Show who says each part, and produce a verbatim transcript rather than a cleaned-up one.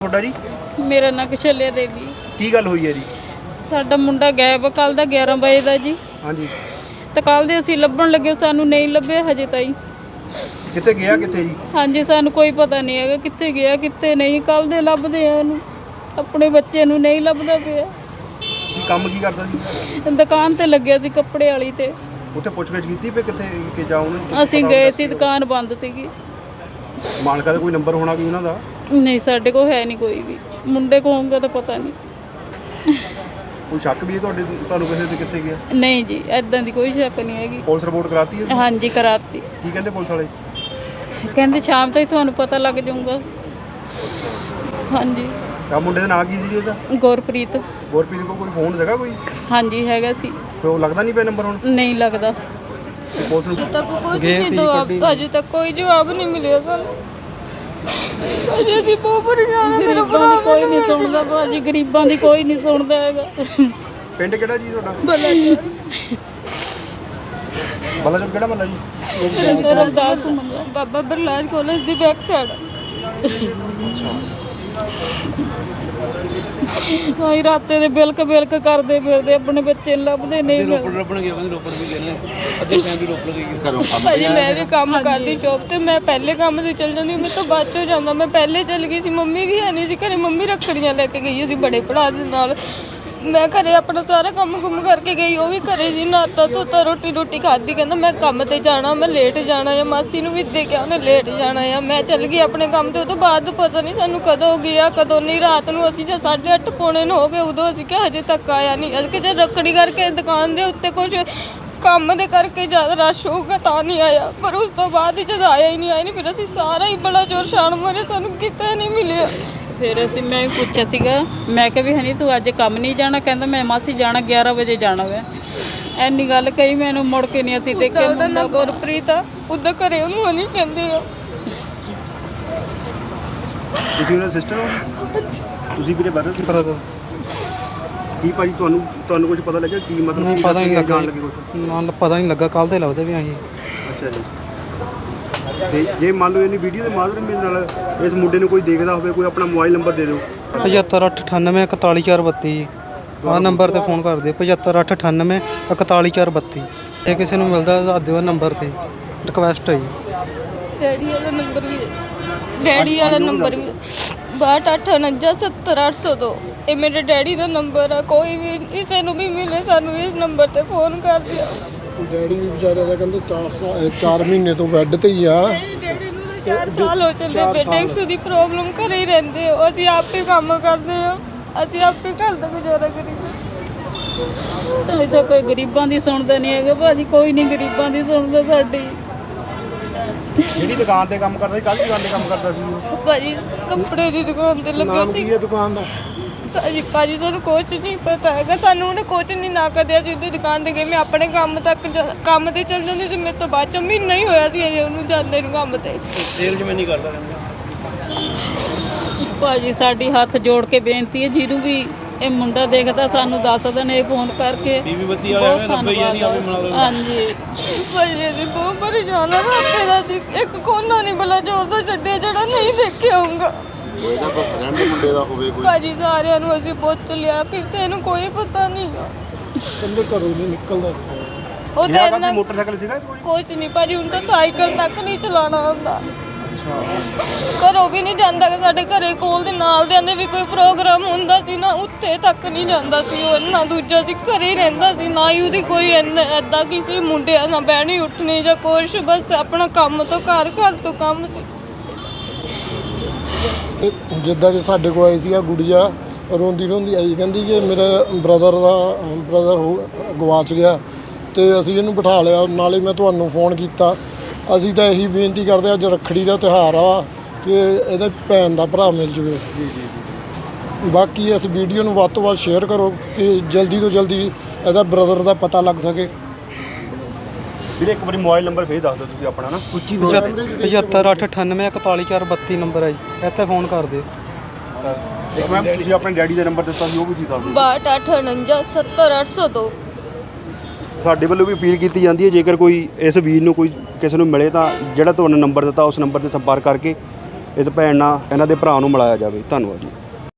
Speaker 1: ਤੁਹਾਡਾ ਜੀ?
Speaker 2: ਮੇਰਾ ਨਾਂ ਕਸ਼ਲਿਆ ਦੇਵੀ।
Speaker 1: ਕੀ ਗੱਲ ਹੋਈ ਹੈ ਜੀ?
Speaker 2: ਸਾਡਾ ਮੁੰਡਾ ਗਾਇਬ ਕੱਲ ਦਾ ਗਿਆਰਾਂ ਵਜੇ ਦਾ ਜੀ।
Speaker 1: ਹਾਂਜੀ।
Speaker 2: ਤੇ ਕੱਲ ਦੇ ਅਸੀਂ ਲੱਭਣ ਲੱਗੇ, ਸਾਨੂੰ ਨਹੀਂ ਲੱਭਿਆ ਹਜੇ ਤਾਈਂ।
Speaker 1: ਕਿੱਥੇ ਗਿਆ ਕਿੱਥੇ ਜੀ?
Speaker 2: ਹਾਂਜੀ, ਸਾਨੂੰ ਕੋਈ ਪਤਾ ਨਹੀਂ ਹੈਗਾ ਕਿੱਥੇ ਗਿਆ ਕਿੱਥੇ ਨਹੀਂ। ਕੱਲ ਦੇ ਲੱਭਦੇ ਆ ਉਹਨੂੰ, ਆਪਣੇ ਬੱਚੇ ਨੂੰ ਨਹੀਂ ਲੱਭਦਾ ਪਿਆ।
Speaker 1: ਕੀ ਕੰਮ ਕੀ ਕਰਦਾ ਸੀ?
Speaker 2: ਦੁਕਾਨ ਤੇ ਲੱਗਿਆ ਸੀ ਕੱਪੜੇ ਵਾਲੀ ਤੇ।
Speaker 1: ਉੱਥੇ ਪੁੱਛਗਿੱਛ ਕੀਤੀ ਵੀ ਕਿੱਥੇ ਕਿ ਜਾ ਉਹਨੂੰ?
Speaker 2: ਅਸੀਂ ਗਏ ਸੀ, ਦੁਕਾਨ ਬੰਦ ਸੀਗੀ।
Speaker 1: ਮਾਲਕਾ ਦਾ ਕੋਈ ਨੰਬਰ ਹੋਣਾ ਵੀ ਉਹਨਾਂ ਦਾ?
Speaker 2: ਨਹੀਂ, ਸਾਡੇ ਕੋਲ ਹੈ ਨਹੀਂ ਕੋਈ ਵੀ। ਮੁੰਡੇ ਕੋਲ ਹੋਊਗਾ ਤਾਂ ਪਤਾ ਨਹੀਂ।
Speaker 1: ਕੋਈ ਸ਼ੱਕ ਵੀ ਹੈ ਤੁਹਾਡੇ ਤੁਹਾਨੂੰ ਕਿਸੇ ਤੇ ਕਿੱਥੇ ਗਿਆ?
Speaker 2: ਨਹੀਂ ਜੀ, ਐਦਾਂ ਦੀ ਕੋਈ ਸ਼ੱਕ ਨਹੀਂ ਹੈਗੀ।
Speaker 1: ਪੁਲਿਸ ਰਿਪੋਰਟ ਕਰਾਤੀ ਹੈ?
Speaker 2: ਹਾਂਜੀ, ਕਰਾਤੀ।
Speaker 1: ਕੀ ਕਹਿੰਦੇ ਪੁਲਿਸ ਵਾਲੇ?
Speaker 2: ਕਹਿੰਦੇ ਸ਼ਾਮ ਤੱਕ ਤੁਹਾਨੂੰ ਪਤਾ ਲੱਗ ਜਾਊਗਾ। ਹਾਂਜੀ।
Speaker 1: ਤਾਂ ਮੁੰਡੇ ਦਾ ਨਾਂ ਕੀ ਸੀ ਜੀ ਇਹਦਾ?
Speaker 2: ਗੁਰਪ੍ਰੀਤ।
Speaker 1: ਗੁਰਪ੍ਰੀਤ ਕੋਲ ਕੋਈ ਫੋਨ ਸੀਗਾ ਕੋਈ?
Speaker 2: ਹਾਂਜੀ, ਹੈਗਾ ਸੀ।
Speaker 1: ਤੇ ਉਹ ਲੱਗਦਾ ਨਹੀਂ ਪਿਆ ਨੰਬਰ ਹੁਣ?
Speaker 2: ਨਹੀਂ ਲੱਗਦਾ।
Speaker 1: ਪੁਲਿਸ ਨੂੰ
Speaker 2: ਅਜੇ ਤੱਕ ਕੋਈ ਨਹੀਂ ਜਵਾਬ, ਅਜੇ ਤੱਕ ਕੋਈ ਜਵਾਬ ਨਹੀਂ ਮਿਲਿਆ ਸਾਨੂੰ। ਅਜੇ ਅਸੀਂ ਬਹੁਤ ਪਰੇਸ਼ਾਨ ਹਾਂ। ਮੇਰਾ ਭਰਾ ਕੋਈ ਨਹੀਂ ਸੁਣਦਾ ਭਾਜੀ, ਗਰੀਬਾਂ ਦੀ ਕੋਈ ਨਹੀਂ ਸੁਣਦਾ ਹੈਗਾ।
Speaker 1: ਪਿੰਡ ਕਿਹੜਾ ਜੀ ਤੁਹਾਡਾ?
Speaker 2: ਬਲਾਚੌਰ।
Speaker 1: ਬਲਾਚੌਰ ਕਿਹੜਾ ਮਹੱਲਾ ਜੀ?
Speaker 2: ਮੇਰਾ ਦਾਸ ਮੰਗਾ ਬਾਬਾ ਬਰਲਾਜ ਕਾਲਜ ਦੀ ਬੈਕ ਸਾਈਡ। ਹਾਂ, ਰਾਤੇ ਦੇ ਬਿਲਕ ਬਿਲਕ ਕਰਦੇ ਫਿਰਦੇ, ਆਪਣੇ ਬੱਚੇ ਲੱਭਦੇ ਨਹੀਂ।
Speaker 3: ਰੋਪੜ ਲੱਭਣ ਗਿਆ, ਰੋਪੜ ਵੀ ਗਏ ਨੇ ਅੱਧੇ ਟਾਈਮ ਵੀ ਰੋਪੜ ਗਈ ਘਰੋਂ ਕੰਮ।
Speaker 2: ਭਾਜੀ ਮੈਂ ਵੀ ਕੰਮ ਕਰਦੀ ਸ਼ੌਪ ਤੇ, ਮੈਂ ਪਹਿਲੇ ਕੰਮ ਤੇ ਚੱਲ ਜਾਂਦੀ, ਮੇਰੇ ਤੋਂ ਬਾਅਦ ਚੋਂ ਜਾਂਦਾ। ਮੈਂ ਪਹਿਲੇ ਚੱਲ ਗਈ ਸੀ, ਮੰਮੀ ਵੀ ਹੈ ਨਹੀਂ ਸੀ ਘਰੇ। ਮੰਮੀ ਰੱਖੜੀਆਂ ਲੈ ਕੇ ਗਈ ਸੀ ਬੜੇ ਭਰਾ ਦੇ ਨਾਲ। ਮੈਂ ਘਰੇ ਆਪਣਾ ਸਾਰਾ ਕੰਮ ਕੁੰਮ ਕਰਕੇ ਗਈ, ਉਹ ਵੀ ਘਰੇ ਸੀ। ਨਾਤਾ ਧੋਤਾ, ਰੋਟੀ ਰੋਟੀ ਖਾਧੀ। ਕਹਿੰਦਾ ਮੈਂ ਕੰਮ ਤੇ ਜਾਣਾ, ਮੈਂ ਲੇਟ ਜਾਣਾ ਆ। ਮਾਸੀ ਨੂੰ ਵੀ ਦੇਖਿਆ ਉਹਨੇ ਲੇਟ ਜਾਣਾ ਆ। ਮੈਂ ਚੱਲ ਗਈ ਆਪਣੇ ਕੰਮ ਤੇ। ਉਹ ਤੋਂ ਬਾਅਦ ਪਤਾ ਨਹੀਂ ਸਾਨੂੰ ਕਦੋਂ ਗਿਆ ਕਦੋਂ ਨਹੀਂ। ਰਾਤ ਨੂੰ ਅਸੀਂ ਜੇ ਸਾਢੇ ਅੱਠ ਪੌਣੇ ਨੂੰ ਹੋ ਗਏ, ਉਦੋਂ ਅਸੀਂ ਕਿਹਾ ਹਜੇ ਤੱਕ ਆਇਆ ਨਹੀਂ। ਅਸੀਂ ਕਿ ਜੇ ਰੱਖੜੀ ਕਰਕੇ ਦੁਕਾਨ ਦੇ ਉੱਤੇ ਕੁਝ ਕੰਮ ਦੇ ਕਰਕੇ ਜ਼ਿਆਦਾ ਰਸ਼ ਹੋਊਗਾ ਤਾਂ ਨਹੀਂ ਆਇਆ। ਪਰ ਉਸ ਤੋਂ ਬਾਅਦ ਹੀ ਜਦ ਆਇਆ ਹੀ ਨਹੀਂ ਆਇਆ ਨਹੀਂ ਫਿਰ ਅਸੀਂ ਸਾਰਾ ਹੀ ਬੜਾ ਜ਼ੋਰ ਛਾਣ ਮਾਰੇ, ਸਾਨੂੰ ਕਿਤੇ ਨਹੀਂ ਮਿਲਿਆ। ਫਿਰ ਅਸੀਂ ਮੈਂ ਵੀ ਪੁੱਛਿਆ ਸੀਗਾ, ਮੈਂ ਕਿਹਾ ਵੀ ਹਨੀ ਤੂੰ ਅੱਜ ਕੰਮ ਨਹੀਂ ਜਾਣਾ? ਕਹਿੰਦਾ ਮੈਂ ਮਾਸੀ ਜਾਣਾ, ਗਿਆਰਾਂ ਵਜੇ ਜਾਣਾ ਵਾ। ਐਨੀ ਗੱਲ ਕਹੀ, ਮੈਨੂੰ ਮੁੜ ਕੇ ਨਹੀਂ ਅਸੀਂ ਦੇਖਿਆ। ਉਹਦਾ ਨਾਂ ਗੁਰਪ੍ਰੀਤ ਆ, ਉੱਦਾਂ ਘਰੇ ਉਹਨੂੰ ਹਨੀ ਕਹਿੰਦੇ ਆ।
Speaker 1: ਤੁਸੀਂ ਉਹਨਾਂ ਸਿਸਟਰ ਹੋ? ਤੁਸੀਂ ਵੀਰੇ ਬਰਦਰ ਕੀ ਪਤਾ ਕੀ ਭਾਜੀ ਤੁਹਾਨੂੰ ਤੁਹਾਨੂੰ ਕੁਝ ਪਤਾ ਲੱਗਿਆ ਕੀ ਮਤਲਬ?
Speaker 4: ਨਹੀਂ ਪਤਾ ਨਹੀਂ ਲੱਗਾ
Speaker 1: ਕੁਝ
Speaker 4: ਨਾ, ਪਤਾ ਨਹੀਂ ਲੱਗਾ। ਕੱਲ ਤੇ ਲੱਭਦੇ ਵੀ ਅਸੀਂ।
Speaker 1: ਅੱਛਾ ਜੀ। ਤੇ ਜੇ ਮੰਨ ਲਓ ਇਹਨੀ ਵੀਡੀਓ ਦੇ ਮਾਧਿਅਮ ਨਾਲ ਇਸ ਮੁੰਡੇ ਨੂੰ ਕੋਈ ਦੇਖਦਾ ਹੋਵੇ, ਕੋਈ ਆਪਣਾ ਮੋਬਾਈਲ ਨੰਬਰ ਦੇ ਦਿਓ।
Speaker 4: ਪਝੱਤਰ ਅੱਠ ਅਠਾਨਵੇਂ ਇਕਤਾਲੀ ਚਾਰ ਬੱਤੀ ਜੀ, ਆਹ ਨੰਬਰ 'ਤੇ ਫੋਨ ਕਰ ਦਿਓ। ਪਝੱਤਰ ਅੱਠ ਅਠਾਨਵੇਂ ਇਕਤਾਲੀ ਚਾਰ ਬੱਤੀ। ਜੇ ਕਿਸੇ ਨੂੰ ਮਿਲਦਾ ਦੱਸ ਦਿਓ ਨੰਬਰ 'ਤੇ, ਰਿਕੁਐਸਟ ਹੈ ਜੀ।
Speaker 2: ਡੈਡੀ ਵਾਲਾ ਨੰਬਰ ਵੀ, ਡੈਡੀ ਵਾਲਾ ਨੰਬਰ ਵੀ ਬਾਹਠ ਅੱਠ ਉਣੰਜਾ ਸੱਤਰ ਅੱਠ ਸੌ ਦੋ। ਇਹ ਮੇਰੇ ਡੈਡੀ ਦਾ ਨੰਬਰ ਆ। ਕੋਈ ਵੀ ਕਿਸੇ ਨੂੰ ਵੀ ਮਿਲੇ ਸਾਨੂੰ ਇਸ ਨੰਬਰ 'ਤੇ ਫੋਨ ਕਰ ਦਿਓ।
Speaker 5: ਡੈਡੀ ਵੀ ਵਿਚਾਰੇ ਦਾ ਕਹਿੰਦੇ ਚਾਰ ਚਾਰ ਮਹੀਨੇ ਤੋਂ ਬੈੱਡ ਤੇ ਹੀ ਆ।
Speaker 2: ਡੈਡੀ ਨੂੰ ਤਾਂ ਚਾਰ ਸਾਲ ਹੋ ਚੱਲੇ। ਬੇਟੈਕਸ ਦੀ ਪ੍ਰੋਬਲਮ ਘਰੇ ਹੀ ਰਹਿੰਦੇ ਹੋ। ਅਸੀਂ ਆਪੇ ਕੰਮ ਕਰਦੇ ਹਾਂ, ਅਸੀਂ ਆਪੇ ਘਰ ਦਾ ਗੁਜ਼ਾਰਾ ਕਰੀਏ। ਅਜੇ ਤਾਂ ਕੋਈ ਗਰੀਬਾਂ ਦੀ ਸੁਣਦਾ ਨਹੀਂ ਹੈਗਾ ਭਾਜੀ, ਕੋਈ ਨਹੀਂ ਗਰੀਬਾਂ ਦੀ ਸੁਣਦਾ ਸਾਡੀ।
Speaker 1: ਜਿਹੜੀ ਦੁਕਾਨ ਤੇ ਕੰਮ ਕਰਦਾ ਸੀ, ਕੱਲ ਦੁਕਾਨ ਤੇ ਕੰਮ ਕਰਦਾ ਸੀ ਉਹ
Speaker 2: ਭਾਜੀ ਕੱਪੜੇ ਦੀ ਦੁਕਾਨ ਤੇ ਲੱਗਾ
Speaker 5: ਨਾਮ
Speaker 2: ਸੀ।
Speaker 5: ਕੀ ਹੈ ਦੁਕਾਨ ਦਾ?
Speaker 2: ਸਾਜੀ ਭਾਜੀ ਸਾਨੂੰ ਕੁਛ ਨਹੀਂ ਪਤਾ ਹੈਗਾ। ਸਾਨੂੰ ਉਹਨੇ ਕੁਛ ਨਹੀਂ ਨਾ ਕਰਿਆ ਸੀ। ਉਹਦੀ ਦੁਕਾਨ ਤੇ ਗਈ, ਮੈਂ ਆਪਣੇ ਕੰਮ ਤੱਕ ਜਾ- ਕੰਮ ਤੇ ਚੱਲ ਜਾਂਦੀ ਸੀ। ਮੇਰੇ ਤੋਂ ਬਾਅਦ ਚ ਮਹੀਨਾ ਹੀ ਹੋਇਆ ਸੀ ਅਜੇ ਉਹਨੂੰ ਜਾਂਦੇ ਨੂੰ ਕੰਮ ਤੇ।
Speaker 3: ਸੇਲ ਜਿਵੇਂ ਨਹੀਂ ਕਰਦਾ
Speaker 2: ਭਾਜੀ ਸਾਡੀ ਹੱਥ ਜੋੜ ਕੇ ਬੇਨਤੀ ਹੈ, ਜਿਹਨੂੰ ਵੀ ਇਹ ਮੁੰਡਾ ਦੇਖਦਾ ਸਾਨੂੰ ਦੱਸ ਦੇਣ ਇਹ ਫੋਨ ਕਰਕੇ।
Speaker 3: ਬੀਬੀ ਬੱਤੀ ਵਾਲੇ ਆਵੇ ਰੱਬੇ ਹੀ ਨਹੀਂ ਆਵੇ ਮਨਾ ਲਓ।
Speaker 2: ਹਾਂਜੀ ਭਾਜੀ ਅਸੀਂ ਬਹੁਤ ਪਰੇਸ਼ਾਨ ਹਾਂ। ਰਾਤੇ ਦਾ ਸੀ ਇੱਕ ਕੋਨਾ ਨਹੀਂ ਬਲਾ ਜ਼ੋਰ ਦਾ ਛੱਡਿਆ ਜਿਹੜਾ ਨਹੀਂ ਦੇਖਿਆ ਹੋਊਗਾ।
Speaker 5: ਇਹਦਾ ਕੋਈ ਫਰੈਂਡ ਮੁੰਡੇ ਦਾ ਹੋਵੇ ਕੋਈ?
Speaker 2: ਭਾਜੀ ਸਾਰਿਆਂ ਨੂੰ ਅਸੀਂ ਪੁੱਛ ਲਿਆ, ਕਿਸੇ ਨੂੰ ਕੋਈ ਪਤਾ ਨਹੀਂ।
Speaker 5: ਕਹਿੰਦੇ ਘਰੋਂ ਨਹੀਂ ਨਿਕਲਦਾ।
Speaker 2: ਉਹ ਤਾਂ ਇੰਨਾ
Speaker 1: ਮੋਟਰਸਾਈਕਲ ਸੀਗਾ ਕੋਈ?
Speaker 2: ਕੁਛ ਨਹੀਂ ਭਾਜੀ, ਹੁਣ ਤਾਂ ਸਾਈਕਲ ਤੱਕ ਨਹੀਂ ਚਲਾਉਣਾ ਆਉਂਦਾ। ਘਰੋਂ ਵੀ ਨਹੀਂ ਜਾਂਦਾ। ਸਾਡੇ ਘਰੇ ਕੋਲ ਦੇ ਨਾਲ ਦੇ ਆਂਦੇ ਵੀ ਕੋਈ ਪ੍ਰੋਗਰਾਮ ਹੁੰਦਾ ਸੀ ਨਾ, ਉੱਥੇ ਤੱਕ ਨਹੀਂ ਜਾਂਦਾ ਸੀ ਉਹ। ਨਾ ਦੂਜਾ ਸੀ ਘਰੇ ਹੀ ਰਹਿੰਦਾ ਸੀ, ਨਾ ਹੀ ਉਹਦੀ ਕੋਈ ਐਦਾਂ ਕਿਸੇ ਮੁੰਡਿਆਂ ਨਾਲ ਬਹਿਣੀ ਉੱਠਣੀ ਜਾਂ ਕੁਛ। ਬਸ ਆਪਣਾ ਕੰਮ ਤੋਂ ਘਰ, ਘਰ ਤੋਂ ਕੰਮ ਸੀ।
Speaker 5: ਜਿੱਦਾਂ ਕਿ ਸਾਡੇ ਕੋਲ ਆਈ ਸੀ ਆ ਗੁੜੀਆ, ਰੋਂਦੀ ਰੋਂਦੀ ਆਈ, ਕਹਿੰਦੀ ਕਿ ਮੇਰੇ ਬ੍ਰਦਰ ਦਾ ਬ੍ਰਦਰ ਹੋ ਗਵਾਚ ਗਿਆ ਤੇ ਅਸੀਂ ਇਹਨੂੰ ਬਿਠਾ ਲਿਆ। ਨਾਲੇ ਮੈਂ ਤੁਹਾਨੂੰ ਫੋਨ ਕੀਤਾ। ਅਸੀਂ ਤਾਂ ਇਹੀ ਬੇਨਤੀ ਕਰਦੇ, ਅੱਜ ਰੱਖੜੀ ਦਾ ਤਿਉਹਾਰ ਆ, ਕਿ ਇਹਦੇ ਭੈਣ ਦਾ ਭਰਾ ਮਿਲ ਜਾਵੇ। ਬਾਕੀ ਇਸ ਵੀਡੀਓ ਨੂੰ ਵੱਧ ਤੋਂ ਵੱਧ ਸ਼ੇਅਰ ਕਰੋ ਕਿ ਜਲਦੀ ਤੋਂ ਜਲਦੀ ਇਹਦਾ ਬ੍ਰਦਰ ਦਾ ਪਤਾ ਲੱਗ ਸਕੇ।
Speaker 1: ਵੀਰੇ ਇੱਕ ਵਾਰੀ ਮੋਬਾਈਲ ਨੰਬਰ ਫੇਰ ਦੱਸ ਦਿਓ ਤੁਸੀਂ ਆਪਣਾ ਨਾ।
Speaker 4: ਪਝੱਤਰ ਅੱਠ ਅਠਾਨਵੇਂ ਇਕਤਾਲੀ ਚਾਰ ਬੱਤੀ ਨੰਬਰ ਹੈ ਜੀ, ਇੱਥੇ ਫੋਨ ਕਰ ਦਿਓ।
Speaker 1: ਇੱਕ ਮੈਮ ਤੁਸੀਂ ਆਪਣੇ ਡੈਡੀ ਦਾ ਨੰਬਰ ਦਿੱਤਾ ਸੀ, ਉਹ ਵੀ ਤੁਸੀਂ ਦੱਸ ਦਿਓ।
Speaker 2: ਬਾਹਠ ਅੱਠ ਉਣੰਜਾ ਸੱਤਰ ਅੱਠ ਸੌ ਦੋ।
Speaker 1: ਸਾਡੇ ਵੱਲੋਂ ਵੀ ਅਪੀਲ ਕੀਤੀ ਜਾਂਦੀ ਹੈ, ਜੇਕਰ ਕੋਈ ਇਸ ਵੀਰ ਨੂੰ ਕੋਈ ਕਿਸੇ ਨੂੰ ਮਿਲੇ ਤਾਂ ਜਿਹੜਾ ਤੁਹਾਨੂੰ ਨੰਬਰ ਦਿੱਤਾ ਉਸ ਨੰਬਰ 'ਤੇ ਸੰਪਰਕ ਕਰਕੇ ਇਸ ਭੈਣ ਨਾਲ ਇਹਨਾਂ ਦੇ ਭਰਾ ਨੂੰ ਮਿਲਾਇਆ ਜਾਵੇ। ਧੰਨਵਾਦ ਜੀ।